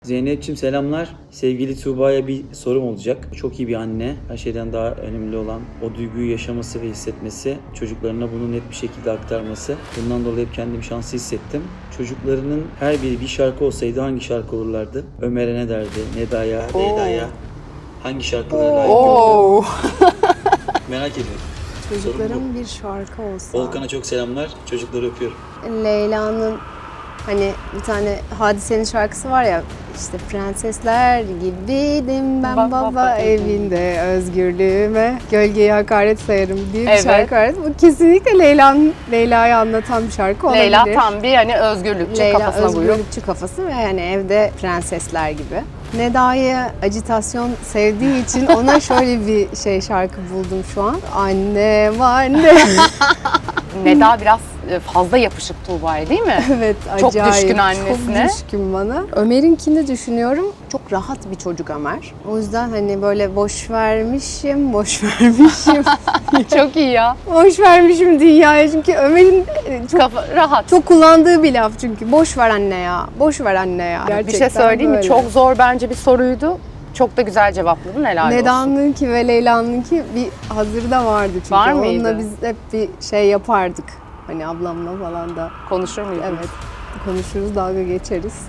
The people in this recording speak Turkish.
Zeynep'ciğim selamlar. Sevgili Tuğba'ya bir sorum olacak. Çok iyi bir anne. Her şeyden daha önemli olan o duyguyu yaşaması ve hissetmesi. Çocuklarına bunu net bir şekilde aktarması. Bundan dolayı hep kendimi şanslı hissettim. Çocuklarının her biri bir şarkı olsaydı hangi şarkı olurlardı? Ömer'e ne derdi? Neda'ya, Leyda'ya hangi şarkılara layık görürdü? Merak ediyorum. Çocukların bir şarkı olsa. Volkan'a çok selamlar. Çocukları öpüyorum. Leyla'nın hani bir tane Hadise'nin şarkısı var ya, işte prensesler gibiydim ben baba evinde özgürlüğüme gölgeyi hakaret sayarım diye bir şarkı var. Bu kesinlikle Leyla'yı anlatan bir şarkı olabilir. Leyla tam bir hani özgürlükçü Leyla kafasına buyuruyor. özgürlükçü kafası ve yani evde prensesler gibi. Neda'yı ajitasyon sevdiği için ona şöyle bir şarkı buldum şu an. Anne var ne? Neda biraz fazla yapışık Tuğba'ya değil mi? Evet, Çok acayip. düşkün annesine. Çok düşkün bana. Ömer'inkini düşünüyorum. Çok rahat bir çocuk Ömer. O yüzden hani böyle boş vermişim. Çok iyi ya. Boş vermişim dünyaya. Çünkü Ömer'in çok Kafa rahat. çok kullandığı bir laf çünkü. Boş ver anne ya. Boş ver anne ya. bir şey Gerçekten söyleyeyim mi? böyle. Çok zor bence bir soruydu. Çok da güzel cevapladın. Helal olsun. Neda'nınki ve Leyla'nınki bir hazırda vardı çünkü. Var mıydı? Onunla biz hep bir şey yapardık. Hani ablamla falan da. Konuşur muydun? Evet. Konuşuruz, dalga geçeriz.